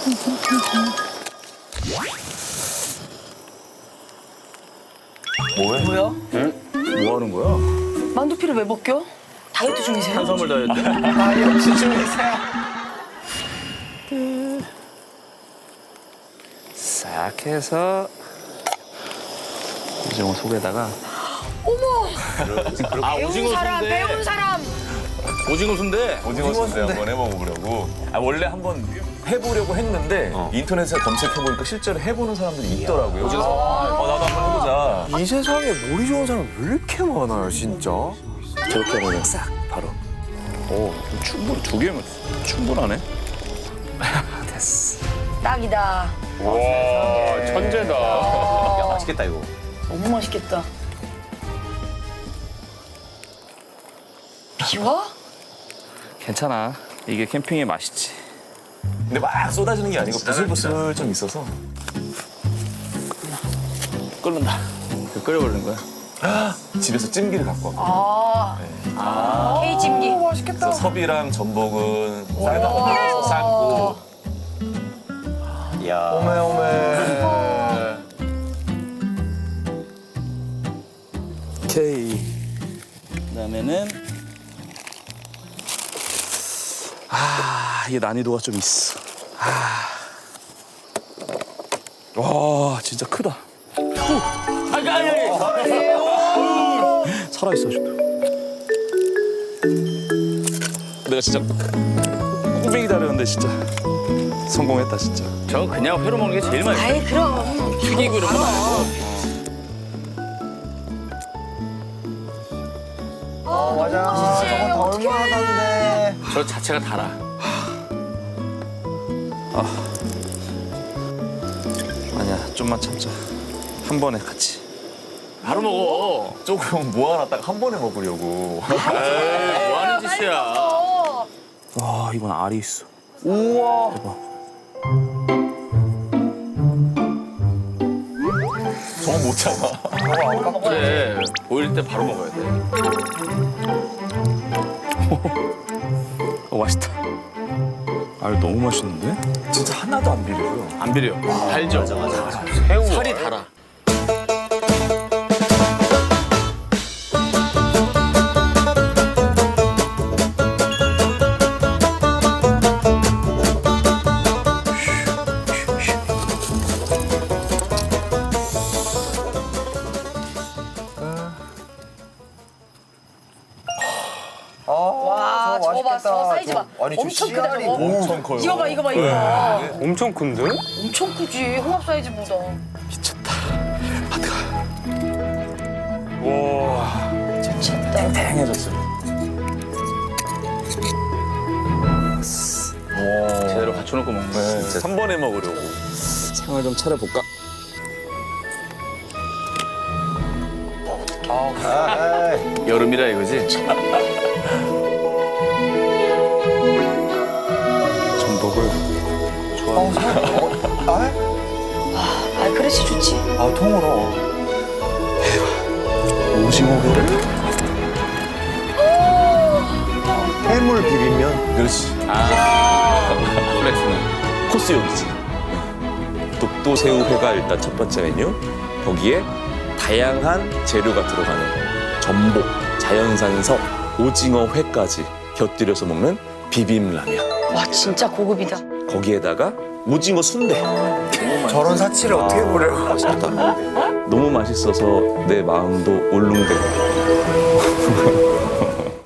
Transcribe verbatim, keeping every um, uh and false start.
뭐해? 뭐야? 응? 뭐 하는 거야? 만두피를 왜 벗겨? 다이어트 중이세요? 탄수화물 다이어트? 다이어트 중이세요? 싹 해서 오징어 속에다가 어머! 아 배운 사람, 배운 사람! 오징어 순대? 오징어 순대 한번 해먹어보려고. 아, 원래 한번 해보려고 했는데 어. 인터넷에 검색해보니까 실제로 해보는 사람들이 있더라고요. 오징어 어, 나도 한번 해보자. 이 세상에 머리 좋은 사람 왜 이렇게 많아요, 진짜? 저렇게 하면 싹 바로. 오, 충분 두 개면 충분하네. 됐어. 딱이다. 와, 천재다. 야, 맛있겠다 이거. 너무 맛있겠다. 비와? 괜찮아. 이게 캠핑의 맛이지. 근데 막 쏟아지는 게 아니고 부슬부슬 좀 있어서. 끓는다. 끓여버리는 거야. 집에서 찜기를 갖고 왔고. 아, 아. K찜기. 그래서 섭이랑 전복은 쌀다 넣어서 삶고. 이야. 오메, 오메. 오케이. 그다음에는 아 이게 난이도가 좀 있어. 아. 와 진짜 크다. 아니 아니 아니. 살아 있어 아직도. 내가 진짜 꾸준히 기다렸는데 진짜 성공했다 진짜. 저 그냥 회로 먹는 게 제일 맛있어. 아이, 그럼. 튀기고 이런 건 아니고. 어, 맞아. 맛있지? 저건 다 어떡해. 얼마나 단데. 저 자체가 달아. 아. 아니야, 좀만 참자. 한 번에 같이. 바로 먹어. 조금 모아놨다가 한 번에 먹으려고. 에이, 뭐 하는 짓이야. 어. 와, 이건 알이 있어. 우와. 대박. 저거 못 참아. 그래, 보일 때 바로 먹어야 돼. 어, 맛있다. 알 너무 맛있는데? 진짜 하나도 안 비려요. 안 비려. 달죠? 맞아, 맞아. 새우. 살이 달아. 와, 저거 봐, 저거 사이즈 봐. 아니, 저 엄청 크다, 씨알이 저거. 엄청 커요. 이거 봐, 이거 봐, 이거 봐. 엄청 큰데? 엄청 크지, 홍합 사이즈보다. 미쳤다. 와. 미쳤다. 탱해졌어. 제대로 갖춰놓고 먹는 거야. 네, 진짜 한 번에 먹으려고. 상을 좀 차려볼까? 아, 에이. 여름이라 이거지? 전복을 어, 살, 어, 아, 아, 그릇이 좋지. 아, 통으로. 오징어회를 해물 비빔면. 그렇지. 플렉스는 코스 요리지. 독도새우회가 일단 첫 번째 메뉴. 거기에 다양한 재료가 들어가는 전복, 자연산석, 오징어회까지 곁들여서 먹는 비빔라면. 와, 진짜 고급이다. 거기에다가 오징어 순대. 저런 사치를 어떻게 보려. 맛있겠다. 너무 맛있어서 내 마음도 울릉대고.